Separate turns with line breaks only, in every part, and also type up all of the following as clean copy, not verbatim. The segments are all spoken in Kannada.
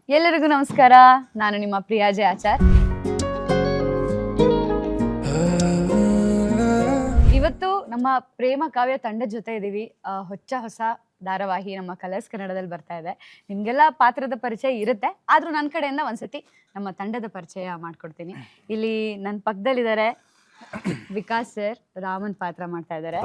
ಎಲ್ಲರಿಗೂ ನಮಸ್ಕಾರ. ನಾನು ನಿಮ್ಮ ಪ್ರಿಯಾಜೆ ಆಚಾರ್. ಇವತ್ತು ನಮ್ಮ ಪ್ರೇಮ ಕಾವ್ಯ ತಂಡದ ಜೊತೆ ಇದ್ದೀವಿ. ಹೊಸ ಧಾರಾವಾಹಿ ನಮ್ಮ ಕಲರ್ಸ್ ಕನ್ನಡದಲ್ಲಿ ಬರ್ತಾ ಇದೆ. ನಿಮಗೆಲ್ಲ ಪಾತ್ರದ ಪರಿಚಯ ಇರುತ್ತೆ, ಆದರೂ ನನ್ನ ಕಡೆಯಿಂದ ಒಂದ್ಸತಿ ನಮ್ಮ ತಂಡದ ಪರಿಚಯ ಮಾಡ್ಕೊಡ್ತೀನಿ. ಇಲ್ಲಿ ನನ್ನ ಪಕ್ಕದಲ್ಲಿದ್ದಾರೆ ವಿಕಾಸ್ ಸರ್, ರಾಮನ್ ಪಾತ್ರ ಮಾಡ್ತಾ ಇದ್ದಾರೆ.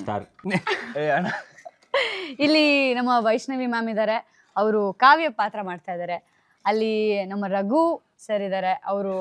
ಇಲ್ಲಿ ನಮ್ಮ ವೈಷ್ಣವಿ ಮ್ಯಾಮ್ ಇದ್ದಾರೆ, ಅವರು ಕಾವ್ಯ ಪಾತ್ರ ಮಾಡ್ತಾ ಇದ್ದಾರೆ. ಅಲ್ಲಿ ನಮ್ಮ ರಘು ಸರ್ ಇದ್ದಾರೆ, ಅವರು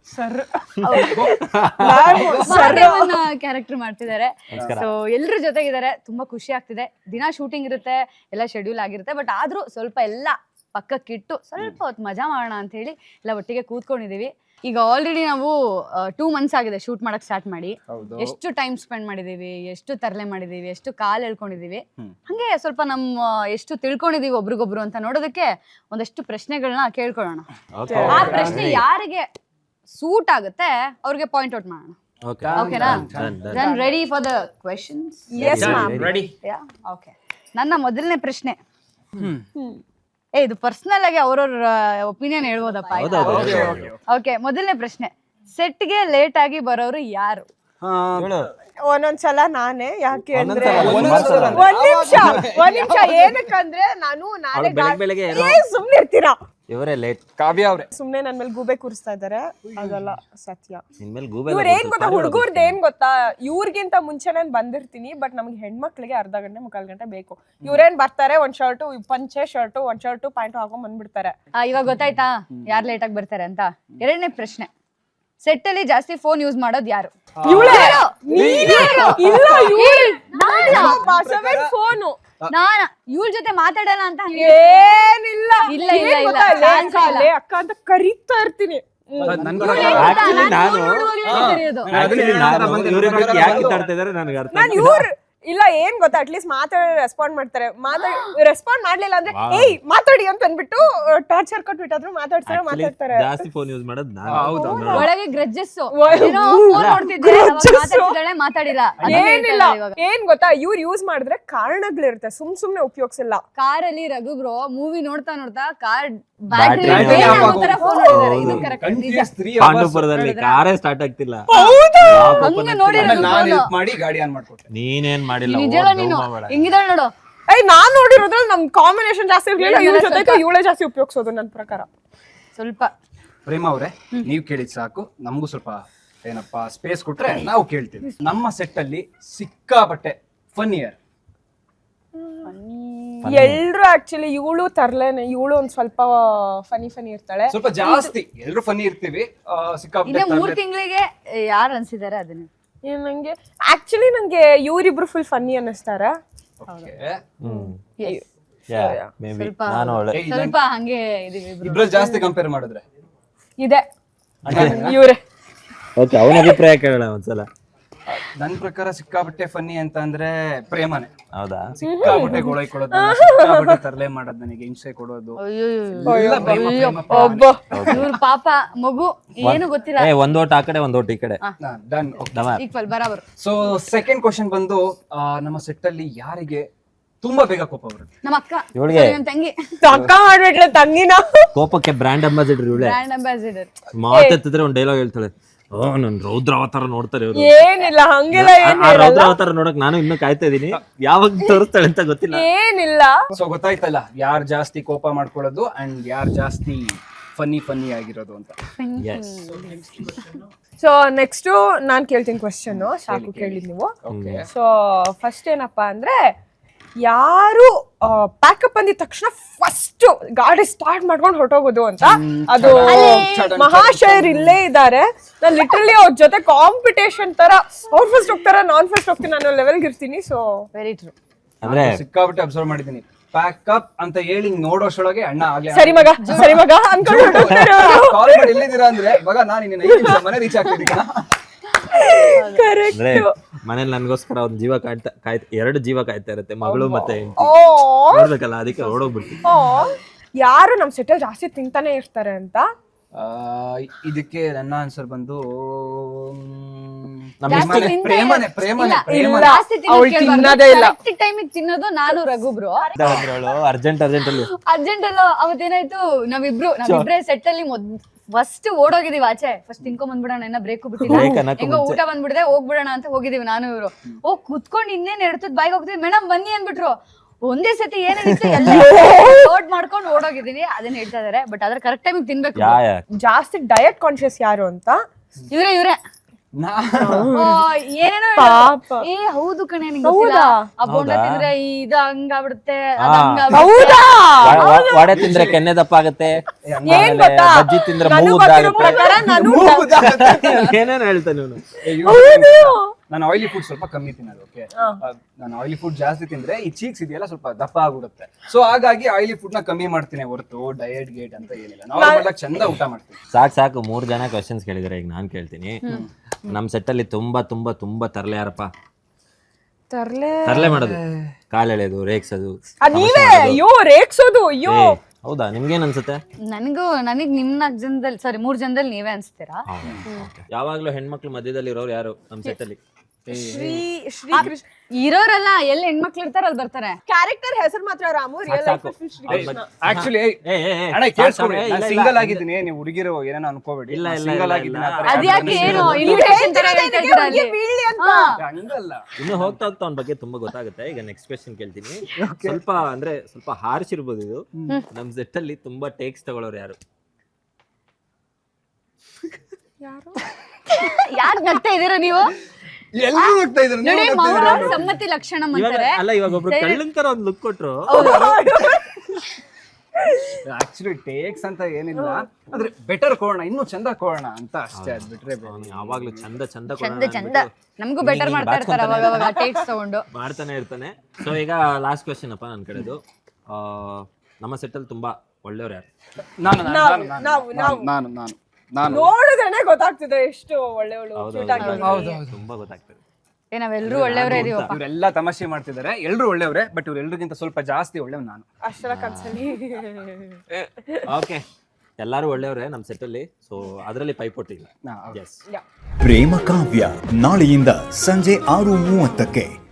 ಕ್ಯಾರೆಕ್ಟರ್ ಮಾಡ್ತಿದ್ದಾರೆ. ಸೊ ಎಲ್ಲರ ಜೊತೆಗಿದ್ದಾರೆ, ತುಂಬಾ ಖುಷಿ ಆಗ್ತಿದೆ. ದಿನ ಶೂಟಿಂಗ್ ಇರುತ್ತೆ, ಎಲ್ಲ ಶೆಡ್ಯೂಲ್ ಆಗಿರುತ್ತೆ, ಬಟ್ ಆದ್ರೂ ಸ್ವಲ್ಪ ಎಲ್ಲ ಪಕ್ಕಕ್ಕಿಟ್ಟು ಸ್ವಲ್ಪ ಹೊತ್ತು ಮಜಾ ಮಾಡೋಣ ಅಂತ ಹೇಳಿ ಎಲ್ಲ ಒಟ್ಟಿಗೆ ಕೂತ್ಕೊಂಡಿದೀವಿ. ಈಗ ಆಲ್ರೆಡಿ ನಾವು 2 months ಆಗಿದೆ ಶೂಟ್ ಮಾಡಕ್ ಸ್ಟಾರ್ಟ್ ಮಾಡಿ. ಎಷ್ಟು ಟೈಮ್ ಸ್ಪೆಂಡ್ ಮಾಡಿದೀವಿ, ಎಷ್ಟು ತರಲೆ ಮಾಡಿದೀವಿ, ಎಷ್ಟು ಕಾಲ್ ಎಳ್ಕೊಂಡಿದೀವಿ, ಹಂಗೆ ಸ್ವಲ್ಪ ನಮ್ಮ ಎಷ್ಟು ತಿಳ್ಕೊಂಡಿದೀವಿ ಒಬ್ರಿಗೊಬ್ರು ಅಂತ ನೋಡೋದಕ್ಕೆ ಒಂದಷ್ಟು ಪ್ರಶ್ನೆಗಳನ್ನ ಕೇಳ್ಕೊಳ್ಳೋಣ. ಆ ಪ್ರಶ್ನೆ ಯಾರಿಗೆ ಸೂಟ್ ಆಗುತ್ತೆ ಅವ್ರಿಗೆ ಪಾಯಿಂಟ್ ಔಟ್ ಮಾಡೋಣ. ಓಕೆನಾ? Then ready for the questions?
Yes ma'am, ready.
Okay, ನನ್ನ ಮೊದಲನೇ ಪ್ರಶ್ನೆ, ಇದು ಪರ್ಸನಲ್ ಆಗಿ ಅವ್ರವ್ರ ಒಪಿನಿಯನ್ ಹೇಳ್ಬೋದಪ್ಪ. ಓಕೆ, ಮೊದಲನೇ ಪ್ರಶ್ನೆ, ಸೆಟ್ಗೆ ಲೇಟ್ ಆಗಿ ಬರೋರು ಯಾರು?
ಒಂದೊಂದ್ಸಲ ನಾನೇ. ಯಾಕೆ ಅಂದ್ರೆ ಒಂದ್ ನಿಮಿಷ ಏನಕ್ಕಂದ್ರೆ ನಾನು ಸುಮ್ನೆ ಇರ್ತೀರಾ,
ಇವರೇ ಲೇಟ್. ಕಾವ್ಯ ಅವ್ರೆ
ಸುಮ್ನೆ ನನ್ ಮೇಲೆ ಗೂಬೆ ಕೂರಿಸ್ತಾ ಇದಾರೆ, ಅದೆಲ್ಲ ಸತ್ಯ. ಇವ್ರ ಏನ್ ಗೊತ್ತಾ, ಹುಡುಗರ್ದು ಏನ್ ಗೊತ್ತಾ, ಇವ್ರಿಗಿಂತ ಮುಂಚೆ ನಾನು ಬಂದಿರ್ತೀನಿ, ಬಟ್ ನಮ್ಗೆ ಹೆಣ್ಮಕ್ಳಿಗೆ ಅರ್ಧ ಗಂಟೆ 3/4 ಗಂಟೆ ಬೇಕು. ಇವ್ರೇನ್ ಬರ್ತಾರೆ, ಒಂದ್ ಶರ್ಟು ಪಂಚೆ ಶರ್ಟು, ಒಂದ್ ಶರ್ಟು ಪ್ಯಾಂಟು ಹಾಕೊಂಡ್ ಬಂದ್ಬಿಡ್ತಾರೆ.
ಇವಾಗ ಗೊತ್ತಾಯ್ತಾ ಯಾರು ಲೇಟ್ ಆಗಿ ಬರ್ತಾರೆ ಅಂತ? ಎರಡನೇ ಪ್ರಶ್ನೆ, ಸೆಟ್ ಅಲ್ಲಿ ಜಾಸ್ತಿ ಫೋನ್ ಯೂಸ್ ಮಾಡೋದು ಯಾರು?
ಫೋನು
ನಾನ ಇವ್ರ ಜೊತೆ ಮಾತಾಡಲ್ಲ ಅಂತ
ಏನಿಲ್ಲ,
ಇಲ್ಲ ಇಲ್ಲ ಇಲ್ಲ
ಅಕ್ಕ ಅಂತ ಕರೀತಾ ಇರ್ತೀನಿ. ನಾನು ಇವ್ರು ಇಲ್ಲ ಏನ್ ಗೊತ್ತಾ, ಅಟ್ಲೀಸ್ಟ್ ಮಾತಾಡಿ ರೆಸ್ಪಾಂಡ್ ಮಾಡ್ತಾರೆ. ರೆಸ್ಪಾಂಡ್ ಮಾಡ್ಲಿಲ್ಲ ಅಂದ್ರೆ ಏಯ್ ಮಾತಾಡಿ ಅಂತ ಅಂದ್ಬಿಟ್ಟು ಟಾರ್ಚರ್ ಕೊಟ್ಬಿಟ್ಟಾದ್ರು ಮಾತಾಡ್ತಾರೆ.
ಜಾಸ್ತಿ ಫೋನ್ ಯೂಸ್ ಮಾಡೋದು ನಾನು.
ಒಳಗೆ ಗ್ರಜ್ಜಸ್ ಮಾತಾಡಿಲ್ಲ.
ಏನಿಲ್ಲ, ಏನ್ ಗೊತ್ತಾ, ಇವ್ರು ಯೂಸ್ ಮಾಡಿದ್ರೆ ಕಾರಣಗಳಿರುತ್ತೆ, ಸುಮ್ನೆ ಉಪಯೋಗಿಸಲ್ಲ.
ಕಾರಲ್ಲಿ ರಘು ಬ್ರೋ ಮೂವಿ ನೋಡ್ತಾ ಕಾರ್
ಪಾಂಡವಪುರದಲ್ಲಿ ಕಾರೇ ಸ್ಟಾರ್ಟ್ ಆಗ್ತಿಲ್ಲ. ನೀನೇನ್ ಮಾಡಿಲ್ಲ,
ಹಿಂಗಿದಾಳೆ ನೋಡು.
ನಾನ್ ನೋಡಿರೋದ್ರಲ್ಲಿ ನಮ್ ಕಾಂಬಿನೇಷನ್ ಜಾಸ್ತಿ ಇರ್ಲಿಲ್ಲ, ಇವ್ರ ಜೊತೆ ಇವಳೇ ಜಾಸ್ತಿ ಉಪಯೋಗಿಸೋದು ನನ್ನ ಪ್ರಕಾರ.
ಸ್ವಲ್ಪ
ಪ್ರೇಮ ಅವ್ರೆ, ನೀವ್ ಕೇಳಿದ್ ಸಾಕು, ನಮಗೂ ಸ್ವಲ್ಪ ಏನಪ್ಪಾ ಸ್ಪೇಸ್ ಕೊಟ್ರೆ ನಾವು ಕೇಳ್ತೀವಿ. ನಮ್ಮ ಸೆಟ್ ಅಲ್ಲಿ ಸಿಕ್ಕಾಪಟ್ಟೆ ಫನ್ ಇಯರ್
ಎಲ್ರು ಆಕ್ಚುಲಿ ಇವಳು ತರ್ಲೇನೆ, ಇವಳು ಒಂದ್ ಸ್ವಲ್ಪ ಫನಿ ಇರ್ತಾಳೆ,
ಸ್ವಲ್ಪ ಜಾಸ್ತಿ. ಎಲ್ರು ಫನಿ ಇರ್ತೀವಿ, ಸಿಕ್ಕಾಪಟ್ಟೆ.
3 ತಿಂಗಳಿಗೆ ಯಾರು ಅನ್ಸಿದಾರೆ ಅದನ್ನ?
ನಂಗೆ ಆಕ್ಚುಲಿ ನಂಗೆ ಇವ್ರಿಬ್ರು ಫುಲ್ ಫನ್ನಿ ಅನ್ನಿಸ್ತಾರ.
ಸ್ವಲ್ಪ ಹಂಗೆ
ಇಬ್ರಲ್ಲಿ ಜಾಸ್ತಿ ಕಂಪೇರ್ ಮಾಡಿದ್ರೆ
ಇದೆ ಇವ್ರೆ.
ಓಕೆ, ಅವನ ಅಭಿಪ್ರಾಯ ಕೇಳೋಣ ಒಂದ್ಸಲ.
ನನ್ ಪ್ರಕಾರ ಸಿಕ್ಕಾಪಟ್ಟೆ ಫನ್ನಿ ಅಂತ ಅಂದ್ರೆ ಪ್ರೇಮನೆ.
ಹೌದಾ?
ಸಿಕ್ಕಾಪಟ್ಟೆ ಗೋಳೈ ಕೊಡೋದು, ಸಿಕ್ಕಾಪಟ್ಟೆ ತರಲೆ ಮಾಡೋದು, ನನಗೆ ಹಿಂಸೆ ಕೊಡೋದು.
ಇವ್ರ ಪಾಪ ಮಗು ಏನು ಗೊತ್ತಿಲ್ಲ.
ಒಂದ್ ಓಟ್ ಆ ಕಡೆ, ಒಂದ್ ಓಟ್ ಈ ಕಡೆ.
ಡನ್,
ಈಕ್ವಲ್, ಬರಾಬರ್.
ಸೊ ಸೆಕೆಂಡ್ ಕ್ವಶನ್ ಬಂದು, ನಮ್ಮ ಸೆಟ್ ಅಲ್ಲಿ ಯಾರಿಗೆ ತುಂಬಾ ಬೇಗ ಕೋಪ ಬರುತ್ತೆ?
ನಮ್ಮ ಅಕ್ಕ,
ಇವಳಿಗೆ
ನನ್ನ ತಂಗಿ.
ಅಕ್ಕ ಮಾಡ್ಬಿಟ್ರೆ ತಂಗಿನ
ಕೋಪಕ್ಕೆ ಬ್ರ್ಯಾಂಡ್ ಅಂಬಾಸಿಡರ್ ಇವಳೆ.
Brand ambassador.
ಮಾತೆತ್ತಿದ್ರೆ ಒಂದ್ ಡೈಲಾಗ್ ಹೇಳ್ತಾಳೆ, ನನ್ ರೌದ್ರ ಅವತಾರ ನೋಡ್ತಾರೆ ಇವ್ರು.
ಏನಿಲ್ಲ, ಹಂಗೆಲ್ಲ
ರೌದ್ರ ಅವತಾರ ನೋಡಕ್ ನಾನು ಇನ್ನೂ ಕಾಯ್ತಾ ಇದೀನಿ, ಯಾವಾಗ ತೋರಿಸ್ತಾಳೆ ಅಂತ ಗೊತ್ತಿಲ್ಲ.
ಏನಿಲ್ಲ.
ಸೊ ಗೊತ್ತಾಯ್ತಲ್ಲ ಯಾರು ಜಾಸ್ತಿ ಕೋಪ ಮಾಡ್ಕೊಳ್ಳೋದು ಅಂಡ್ ಯಾರು ಜಾಸ್ತಿ ಫನ್ನಿ ಆಗಿರೋದು ಅಂತ.
ಸೊ ನೆಕ್ಸ್ಟ್ ನಾನ್ ಕೇಳ್ತೀನಿ ಕ್ವಶನ್, ಸಾಕು ಕೇಳಿದ್ ನೀವು. ಸೊ ಫಸ್ಟ್ ಏನಪ್ಪಾ ಅಂದ್ರೆ, ಯಾರು ಪ್ಯಾಕಪ್ ಅಂದಿದ ತಕ್ಷಣ ಫಸ್ಟ್ ಗಾಡಿ ಸ್ಟಾರ್ಟ್ ಮಾಡ್ಕೊಂಡು ಹೊರಟೋಗೋದು ಅಂತ. ಅದು ಮಹಾಶಯರ್ ಇಲ್ಲೇ ಇದ್ದಾರೆ. ನಾನು ಲಿಟ್ರಲಿ ಅವ್ರ ಜೊತೆ ಕಾಂಪಿಟೇಷನ್ ತರ, ಅವ್ರು ಫಸ್ಟ್ ಹೋಗ್ತಾರ, ನಾನ್ ಫಸ್ಟ್ ಹೋಗ್ತೀನಿ, ನಾನು ಲೆವೆಲ್ಗೆ ಇರ್ತೀನಿ. So
very true.
ಅಂದ್ರೆ
ಸಿಕ್ಕಾಬಿಟ್ಟೆ ಅಬ್ಸರ್ವ್ ಮಾಡಿದೀನಿ, ಪ್ಯಾಕಪ್ ಅಂತ ಹೇಳಿ ನೋಡೋಷ್ಟೊಳಗೆ ಅಣ್ಣ ಆಗ್ಲಿ
ಸರಿ ಮಗ ಅನ್ಕೊಂಡು
ಕಾಲ್ ಮಾಡಿ ಎಲ್ಲಿದ್ದೀರಾ ಅಂದ್ರೆ, ಮಗ ನಾನು ಇನ್ನೇನು 5 ನಿಮಿಷ ಮನೆ ರೀಚ್ ಆಗ್ತಿದ್ದೀನಿ.
ಅಂದ್ರೆ ಮನೇಲಿ ನನ್ಗೋಸ್ಕರ ಒಂದ್ ಜೀವ ಕಾಯ್ತಾ 2 ಜೀವ ಕಾಯ್ತಾ ಇರುತ್ತೆ, ಮಗಳು ಮತ್ತೆ ನೋಡ್ಬೇಕಲ್ಲ, ಅದಕ್ಕೆ ಓಡೋಗ್ಬಿಡ್ತೀನಿ.
ಯಾರು ನಮ್ ಸೆಟಲ್ ಜಾಸ್ತಿ ತಿಂತಾನೆ ಇರ್ತಾರೆ ಅಂತ
ಇದಕ್ಕೆ ನನ್ನ ಆನ್ಸರ್ ಬಂದು
ನಮ್ಮ
ಜಾಸ್ತಿ
ಇಷ್ಟಕ್ಕೆ
ತಿಂದೆ-
ಪ್ರೇಮನೆ, ಪ್ರೇಮನೆ,
ಇಲ್ಲ,
ಪ್ರೇಮನೆ.
ಜಾಸ್ತಿ ತಿನ್ನೋದ್
ಅವ್ಳು
ಕೇಳ್ಬಾರ್ದು.
ತಿನ್ನೋದೇ ಇಲ್ಲ.
Correct time ಗೆ ತಿನ್ನೋದು ನಾನು ರಘುಬ್ರು
ಅರ್ಜೆಂಟ್ ಅಲ್ಲಿ
ಅರ್ಜೆಂಟ್ ಅಲ್ಲೋ ಅವತ್ತೇನಾಯ್ತು ನಾವಿಬ್ರೇ ಸೆಟ್ ಅಲ್ಲಿ ಫಸ್ಟ್ ಓಡೋಗಿದೀವಿ ಆಚೆ ಫಸ್ಟ್ ತಿನ್ಕೊಂಡ್ ಬಂದ್ಬಿಡೋಣ ಇನ್ನ ಬ್ರೇಕು ಬಿಟ್ಟಿಲ್ಲ
Break ಅನ್ನಕ್ಕೂ
ಹೆಂಗೋ
ಮುಂಚೆ.
ಊಟ ಬಂದ್ಬಿಡದೆ ಹೋಗ್ಬಿಡೋಣ ಅಂತ ಹೋಗಿದೀವಿ ನಾನು ಇವ್ರು ಹೋಗ್ ಕುತ್ಕೊಂಡ್ ಇನ್ನೇನ್ ಎಡ್ತದ್ ಬಾಯಿಗೆ ಹೋಗ್ತೀವಿ ಮೇಡಮ್ ಬನ್ನಿ ಅಂದ್ಬಿಟ್ರು ಒಂದೇ ಸತಿ ಏನಿತ್ತು ಎಲ್ಲ ಲೋಡ್ ಮಾಡ್ಕೊಂಡು ಓಡೋಗಿದೀವಿ ಅದನ್ನ ಹೇಳ್ತಾ ಇದಾರೆ ಬಟ್ ಅದ್ರ ಕರೆಕ್ಟ್ ಟೈಮಿಗೆ ತಿನ್ಬೇಕು
ಜಾಸ್ತಿ ಡಯಟ್ ಕಾನ್ಶಿಯಸ್ ಯಾರು ಅಂತ
ಇವ್ರೆ ಓ, ಏನೇನೋ
ಪಾಪ.
ಹೇಳ್ತಾರೆ. ಏ ಹೌದು ಕಣೆ ನಿಂಗೆ ಗೊತ್ತಿಲ್ಲ ಆ ಬೋಂಡ
ಹೌದಾ?
ತಿಂದ್ರೆ ಇದು ಹಂಗಾಗ್ಬಿಡುತ್ತೆ
ಹಾ.
ಅದ್ ಹಂಗಾಗ್ಬಿಡುತ್ತೆ.
ಹೌದಾ
ವಡೆ ತಿಂದ್ರೆ ಕೆನ್ನೆ ದಪ್ಪ ಆಗುತ್ತೆ
ಏನ್ ಗೊತ್ತಾ
ಬಜ್ಜಿ ತಿಂದ್ರೆ
ನನಗ್
ಮೂಗು
ಗೊತ್ತಿರೋ
ಉದ್ದ
ಪ್ರಕಾರ ನಾನು
ಏನೇನು ಹೇಳ್ತಾನೆ ಇವನು
ನಾನು ಆಯಿಲಿ ಫುಡ್ ಸ್ವಲ್ಪ ಕಮ್ಮಿ ತಿನ್ನೋದು. ಓಕೆ, ನಾನು ಆಯಿಲಿ ಫುಡ್ ಜಾಸ್ತಿ ತಿಂದ್ರೆ ಈ ಚೀಕ್ಸ್ ಇದೆಯಲ್ಲ ಸ್ವಲ್ಪ ದಪ್ಪ ಆಗ್ಬಿಡುತ್ತೆ. ಸೊ ಹಾಗಾಗಿ ಆಯಿಲಿ ಫುಡ್ ನ ಕಮ್ಮಿ ಮಾಡ್ತೀನಿ ಹೊರತು ಡಯಟ್ ಗೇಟ್ ಅಂತ ಏನಿಲ್ಲ. ನಾರ್ಮಲ್ ಆಗಿ ಚಂದ ಊಟ ಮಾಡ್ತೀನಿ.
ಸಾಕು 3 ಜನ ಕ್ವಶನ್ಸ್ ಕೇಳಿದಾರೆ. ಈಗ ನಾನ್ ಕೇಳ್ತೀನಿ. ನಮ್ ಸೆಟ್ ಅಲ್ಲಿ ತುಂಬಾ ತುಂಬಾ ತುಂಬಾ ತರಲೆ ಯಾರಪ್ಪ? ತರಲೆ ಮಾಡೋದು, ಕಾಲೆಳೆಯೋದು, ರೇಗ್ಸೋದು.
ನೀವೇ ಅಯ್ಯೋ ರೇಗ್ಸೋದು ಅಯ್ಯೋ
ಏ, ಹೌದಾ? ನಿಮ್ಗೇನ್ ಅನ್ಸುತ್ತೆ?
ನನಗ್ ನಿಮ್ 4 ಜನದಲ್ಲಿ ಸಾರಿ 3 ಜನದಲ್ಲಿ ನೀವೇ ಅನ್ಸ್ತೀರಾ?
ಯಾವಾಗ್ಲೂ ಹೆಣ್ಮಕ್ಳು ಮಧ್ಯದಲ್ಲಿ ಇರೋರು ಯಾರು ನಮ್ ಸೆಟ್ ಅಲ್ಲಿ?
ಶ್ರೀ ಕೃಷ್ಣ
ಇರೋರಲ್ಲ ಎಲ್ಲಿ ಹೆಣ್ಮಕ್ಳು ಇರ್ತಾರ ಅಲ್ಲಿ ಬರ್ತಾರೆ.
ಕ್ಯಾರೆಕ್ಟರ್ ಹೆಸರು ಮಾತ್ರ ರಾಮು ರಿಯಲ್
ಸಾಕು.
ಲೈಫ್ ಶ್ರೀ ಕೃಷ್ಣ
ಆಕ್ಚುಲಿ ಅಣ್ಣ ಕೇಳಿಸ್ಕೊಬೇಡಿ, ನಾನು ಸಿಂಗಲ್ ಆಗಿದ್ದೀನಿ. ನೀವು ಹುಡುಗಿರು ಏನೇನೋ ಅನ್ಕೋಬೇಡಿ.
ಇಲ್ಲ, ಇಲ್ಲ,
ಸಿಂಗಲ್
ಇಲ್ಲ,
ಆಗಿದ್ದೀನಿ.
ಇಲ್ಲ.
ಆ ಥರ
ಅದ್ಯಾಕೆ
ಯಾವ್ದೋ
ಏನು
ಒಂದು
ಇನ್ವಿಟೇಷನ್ ತರ ಹೇಳ್ತಾ ಇದ್ದೀರಾ ಅಲ್ಲಿ?
ಬೀಳ್ಲಿ ಅಂತ
ಹಾ.
ಹಂಗಲ್ಲ.
ಇನ್ನು ಹೋಗ್ತಾ ಹೋಗ್ತಾ ಅವ್ನ ಬಗ್ಗೆ ತುಂಬಾ ಗೊತ್ತಾಗುತ್ತೆ. ಈಗ ನೆಕ್ಸ್ಟ್ ಕ್ವೆಶ್ಚನ್ ಕೇಳ್ತೀನಿ. ಸ್ವಲ್ಪ ಹಾರ್ಶ್ ಇರ್ಬೋದು ಇದು. ನಮ್ ಸೆಟ್ ಅಲ್ಲಿ ತುಂಬಾ ಟೇಕ್ಸ್ ತಗೊಳ್ಳೋರು ಯಾರು?
ಯಾರ್ ನಗ್ತಾ ಇದೀರಾ ನೀವು?
ಎಲ್ರೂ ಹೋಗ್ತಾ ಇದ್ರು.
ನೋಡಿ ಮೌನ ಸಮ್ಮತಿ ಲಕ್ಷಣ ಅಂತಾರೆ.
ಇವಾಗ ಒಬ್ರು ಕಳ್ಳನ್ ತರ ಒಂದ್ ಲುಕ್ ಕೊಟ್ರು.
ಆಕ್ಚುಲಿ ಟೇಕ್ಸ್ ಅಂತ ಏನಿಲ್ಲ, ಆದ್ರೆ ಬೆಟರ್ ಕೊಡೋಣ, ಇನ್ನೂ ಚಂದ ಕೊಡೋಣ ಅಂತ ಅಷ್ಟೇ. ಅದ್ ಬಿಟ್ರೆ ಬೇರೆ.
ಅವ್ನು ಯಾವಾಗ್ಲೂ ಚಂದ ಚಂದ
ಚಂದ ನಮಗೂ ಬೆಟರ್ ಮಾಡ್ತಾ ಇರ್ತಾರೆ ಅವಾಗ ಅವಾಗ ಟೇಕ್ಸ್ ತಗೊಂಡು
ಮಾಡ್ತಾನೆ ಇರ್ತಾನೆ. ಸೊ ಈಗ ಲಾಸ್ಟ್ ಕ್ವೆಶ್ಚನ್ ಅಪ್ಪ ನನ್ ಕಡೆದು. ನಮ್ಮ ಸೆಟ್ ಅಲ್ಲಿ ತುಂಬಾ ಒಳ್ಳೆಯವ್ರು ಯಾರು?
ನಾನು
ನೋಡಿದ್ರೇನೆ ಗೊತ್ತಾಗ್ತಿದೆ ಎಷ್ಟು ಒಳ್ಳೆಯವಳು ಕ್ಯೂಟ್ ಆಗಿ.
ತುಂಬಾ ಗೊತ್ತಾಗ್ತದೆ.
ನಾವೆಲ್ಲರೂ ಒಳ್ಳೆಯವರೇ ಇದೀವಪ್ಪ.
ಇವರೆಲ್ಲ ತಮಾಷೆ ಮಾಡ್ತಿದ್ದಾರೆ. ಎಲ್ರು ಒಳ್ಳೆಯವ್ರೆ, ಬಟ್ ಇವ್ರೆಲ್ರಿಗಿಂತ ಸ್ವಲ್ಪ ಜಾಸ್ತಿ ಒಳ್ಳೆವ್ ನಾನು.
ಅಷ್ಟರ ಕನ್ಸಲ್ಲಿ
ಓಕೆ, ಎಲ್ಲಾರು ಒಳ್ಳೆಯವ್ರೆ ನಮ್ ಸೆಟ್ ಅಲ್ಲಿ. ಸೊ ಅದರಲ್ಲಿ ಪೈಪೋಟಿ ಇಲ್ಲ. ಎಸ್.
ಪ್ರೇಮ ಕಾವ್ಯ ನಾಳೆಯಿಂದ ಸಂಜೆ 6:30ಕ್ಕೆ